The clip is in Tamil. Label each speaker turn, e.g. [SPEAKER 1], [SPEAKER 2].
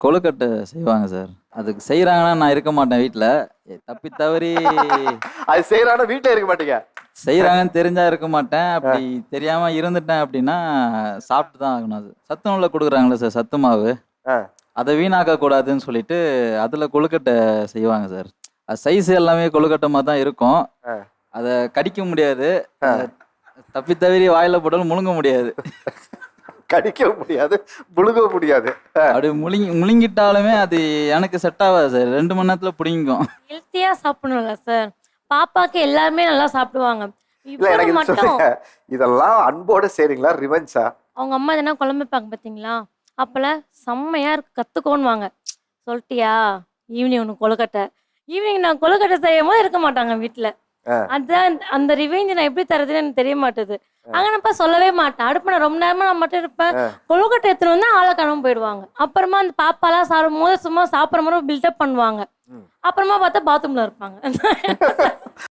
[SPEAKER 1] கொழுக்கட்டை செய்வாங்க சார். அதுக்கு செய்றாங்கன்னா நான் இருக்க மாட்டேன் வீட்ல. தப்பி தவறி
[SPEAKER 2] அது செய்யறான வீட்டுல இருக்க மாட்டீங்க.
[SPEAKER 1] செய்றாங்கன்னு தெரிஞ்சா இருக்க மாட்டேன். அப்படி தெரியாம இருந்துட்டேன் அப்படின்னா, சாப்பிட்டு தான் ஆகணும் அது. சத்துணவுல குடுக்குறாங்கல்ல சார், சத்து மாவு.
[SPEAKER 2] ஆ.
[SPEAKER 1] அத வீணாக்க கூடாதுன்னு சொல்லிட்டு, அதுல கொழுக்கட்டை செய்வாங்க சார். அது சைஸ் எல்லாமே கொழுக்கட்டை மாரி தான் இருக்கும்.
[SPEAKER 2] ஆ.
[SPEAKER 1] அத கடிக்க முடியாது. தப்பி தவறி வாயில போட்டாலும் முழுங்க முடியாது.
[SPEAKER 2] கடிக்கவும் முடியாது, முழுங்கவும் முடியாது.
[SPEAKER 1] அப்படி முழுங்கிட்டாலுமே அது எனக்கு செட் ஆகாது சார். 2 மணி நேரத்துல புடிங்கிக்கும்.
[SPEAKER 3] ஹெல்த்தியா சாப்பிடணும்ல சார். பாப்பாக்கு எல்லாருமே நல்லா சாப்பிடுவாங்க.
[SPEAKER 2] இல்ல எனக்கு
[SPEAKER 3] இவரு
[SPEAKER 2] இது
[SPEAKER 3] மட்டும்
[SPEAKER 2] சொல்லுங்க. இதெல்லாம் அன்போட செய்றீங்களா? ரிவெஞ்சா?
[SPEAKER 3] அவங்க அம்மா எதனா குழம்பு வைப்பாங்க பார்த்தீங்களா? அப்பலாம் செம்மையா இருக்கு கத்துக்கோன்னுவாங்க. சொல்ட்டியா? ஈவினிங் உனக்கு கொழுக்கட்டை. ஈவினிங் நான் கொழுக்கட்டை செய்யும்போது இருக்க மாட்டாங்க வீட்ல. அதான் அந்த ரிவெஞ்ச் நான் எப்படி தர்றதுன்னு எனக்கு தெரிய மாட்டுது. அங்கனப்பா சொல்லவே மாட்டேன். அடுப்புல ரொம்ப நேரமா நான் மட்டும் இருப்பேன். கொழுக்கட்டை எடுத்துன்னு வந்தா ஆள காணாம போயிடுவாங்க. அப்புறமா அந்த பாப்பாலாம் சாப்பிடும்போது சும்மா சாப்பிடுற மாரி பில்டப் பண்ணுவாங்க. அப்புறமா பார்த்தா பாத்ரூம்ல இருப்பாங்க.